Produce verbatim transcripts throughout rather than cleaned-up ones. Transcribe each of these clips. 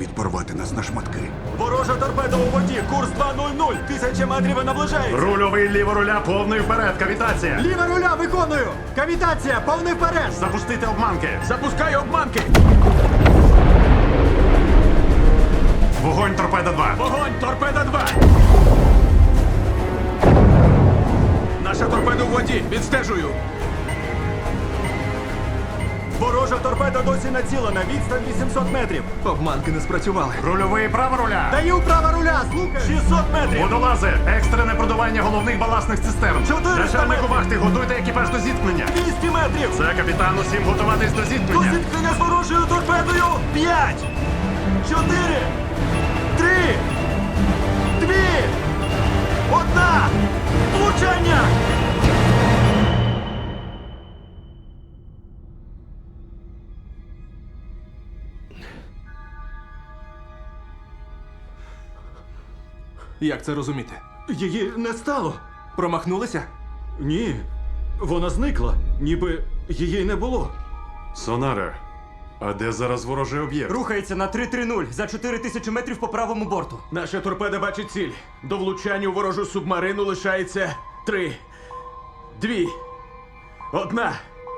світ порвати нас на шматки. Ворожа торпеда у воді, курс два нуль нуль, тисяча метрів і наближається. Рульовий ліво руля, повний вперед, кавітація. Ліва руля виконую! Кавітація, повний вперед! Запустити обманки. Запускаю обманки! Вогонь торпеда два. Вогонь, торпеда два! Наша торпеда у воді, відстежую. Ворожа торпеда досі націлена, відстань вісімсот метрів. Обманки не спрацювали. Рульовий право руля. Даю права руля, слухай! шістсот метрів! Водолази, екстрене продування головних баласних цистерн. чотириста Начальнику метрів. вахти, готуйте екіпаж до зіткнення. двісті метрів! Це капітан, усім готуватись до До зіткнення. зіткнення з ворожою торпедою! П'ять! Чотири! Три! Дві! Одна! Влучання! Як це розуміти? Її не стало. Промахнулися? Ні. Вона зникла, ніби її не було. Сонаре, а де зараз ворожий об'єкт? Рухається на три три нуль за чотири тисячі метрів по правому борту. Наша торпеда бачить ціль. До влучання у ворожу субмарину лишається три, дві, одна.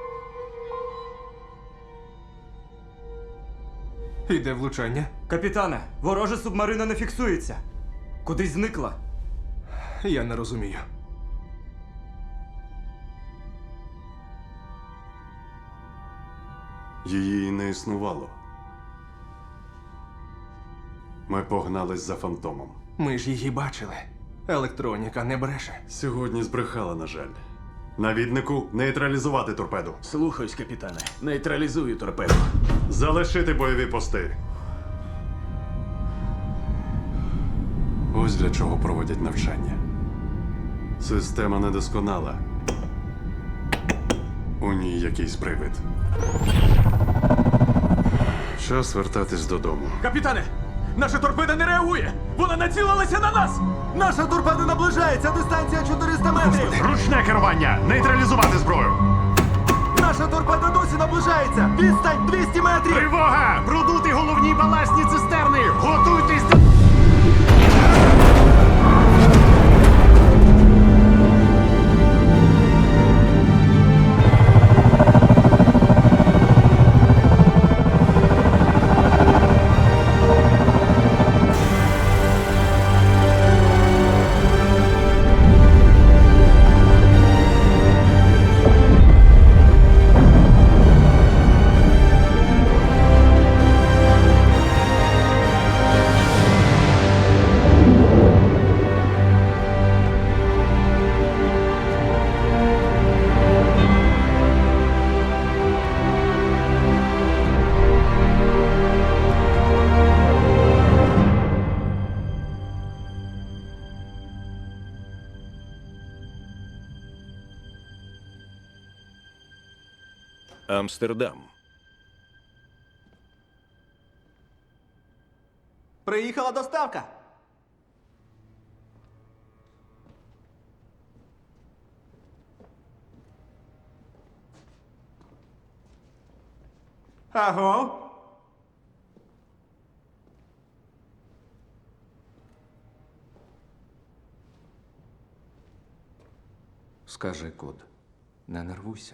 Іде влучання. Капітане, ворожа субмарина не фіксується. Кудись зникла. Я не розумію. Її не існувало. Ми погнались за фантомом. Ми ж її бачили. Електроніка не бреше. Сьогодні збрехала, на жаль. Навіднику нейтралізувати торпеду. Слухаюсь, капітане. Нейтралізую торпеду. Залишити бойові пости. Ось для чого проводять навчання. Система недосконала. У ній якийсь привид. Час вертатись додому. Капітане! Наша торпеда не реагує! Вона націлилася на нас! Наша торпеда наближається! Дистанція чотириста метрів! Ручне керування! Нейтралізувати зброю! Наша торпеда досі наближається! Відстань двісті метрів! Тривога! Продути головні баласні цистерни! Готуйтесь до... Амстердам. Приїхала доставка. Аго? Скажи код. Не нервуйся.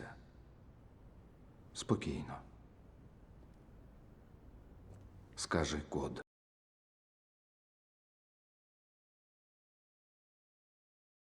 Спокійно. Скажи код.